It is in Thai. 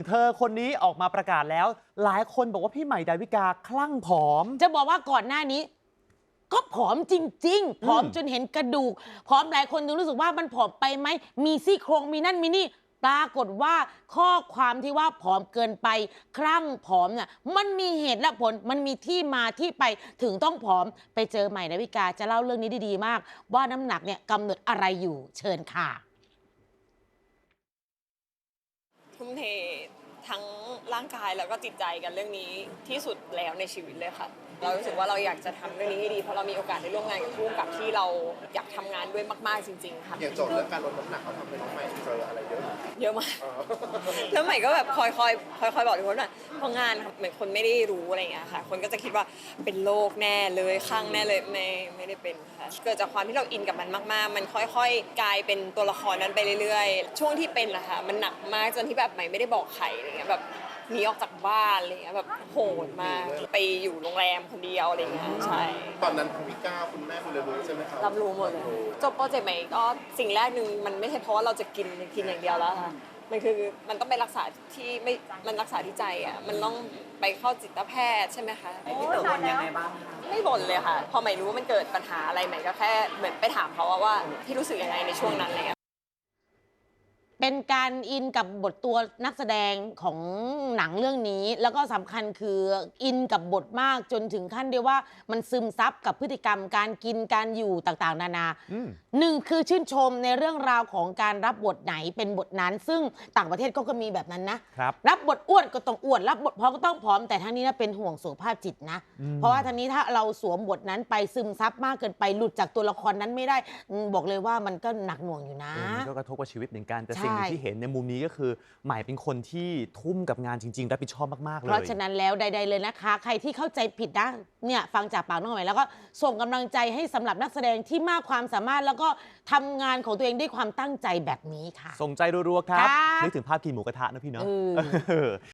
เธอคนนี้ออกมาประกาศแล้ว หลายคนบอกว่าพี่ใหม่ดาวิกาคลั่งผอมจะบอกว่าก่อนหน้านี้ก็ผอมจริงๆผอมจนเห็นกระดูกผอมหลายคนดูรู้สึกว่ามันผอมไปไหมมีซี่โครงมีนั่นมีนี่ปรากฏว่าข้อความที่ว่าผอมเกินไปคลั่งผอมเนี่ยมันมีเหตุและผลมันมีที่มาที่ไปถึงต้องผอมไปเจอใหม่ดาวิกาจะเล่าเรื่องนี้ได้ดีมาก ว่าน้ำหนักเนี่ยกำหนดอะไรอยู่เชิญค่ะทุ่มเททั้งร่างกายแล้วก็จิตใจกันเรื่องนี้ที่สุดแล้วในชีวิตเลยค่ะเรารู้สึกว่าเราอยากจะทำเรื่องนี้ให้ดีเพราะเรามีโอกาสได้ร่วมงานกับผู้กำกับที่เราอยากทำงานด้วยมากๆจริงๆค่ะอย่างโจทย์เรื่องการลดน้ำหนักเขาทำให้น้องใหม่เจออะไรเยอะเยอะมากแล้วใหม่ก็แบบคอยบอกทุกคนว่าเพราะงานเหมือนคนไม่ได้รู้อะไรอย่างเงี้ยค่ะคนก็จะคิดว่าเป็นโรคแน่เลยคลั่งแน่เลยไม่ได้เป็นค่ะเกิดจากความที่เราอินกับมันมากๆมันค่อยๆกลายเป็นตัวละครนั้นไปเรื่อยๆช่วงที่เป็นนะคะมันหนักมากจนที่แบบใหม่ไม่ได้บอกใครอะไรเงี้ยแบบหนีออกจากบ้านอะไรเงี้ยแบบโหดมากไปอยู่โรงแรมคนเดียวอะไรเงี้ยใช่ตอนนั้นคุณพี่ก้าวคุณแม่คุณเลยรู้ใช่ไหมครับรับรู้หมดเลยจบโปรเจกต์ใหม่ก็สิ่งแรกหนึ่งมันไม่ใช่เพราะว่าเราจะกินอย่างเดียวแล้วค่ะมันคือมันต้องไปรักษาที่ไม่มันรักษาที่ใจอ่ะมันต้องไปเข้าจิตแพทย์ใช่ไหมคะพี่เต๋อบ่นยังไงบ้างคะไม่บ่นเลยค่ะพอใหม่รู้ว่ามันเกิดปัญหาอะไรใหม่ก็แค่เหมือนไปถามเขาว่าพี่รู้สึกยังไงในช่วงนั้นอะไรเงี้ยเป็นการอินกับบทตัวนักแสดงของหนังเรื่องนี้แล้วก็สำคัญคืออินกับบทมากจนถึงขั้นเดียวว่ามันซึมซับกับพฤติกรรมการกินการอยู่ต่างๆนานาหนึ่งคือชื่นชมในเรื่องราวของการรับบทไหนเป็นบทนั้นซึ่งต่างประเทศก็มีแบบนั้นนะรับบทอ้วนก็ต้องอ้วนรับบทผอมก็ต้องผอมแต่ทั้งนี้นะเป็นห่วงสุขภาพจิตนะเพราะว่าทั้งนี้ถ้าเราสวมบทนั้นไปซึมซับมากเกินไปหลุดจากตัวละครนั้นไม่ได้บอกเลยว่ามันก็หนักหน่วงอยู่นะก็กระทบกับชีวิตเหมือนกันแต่สิ่งที่เห็นในมุมนี้ก็คือใหม่เป็นคนที่ทุ่มกับงานจริงๆรับผิดชอบมากๆเลยเพราะฉะนั้นแล้วใดๆเลยนะคะใครที่เข้าใจผิดนะเนี่ยฟังจากปากน้องใหม่แล้วก็ส่งกำลังใจให้สำหรับนักแสดงที่มากความสามารถแล้วก็ทำงานของตัวเองด้วยความตั้งใจแบบนี้ค่ะส่งใจรัวๆครับนึกถึงภาพกินหมูกระทะนะพี่เนาะ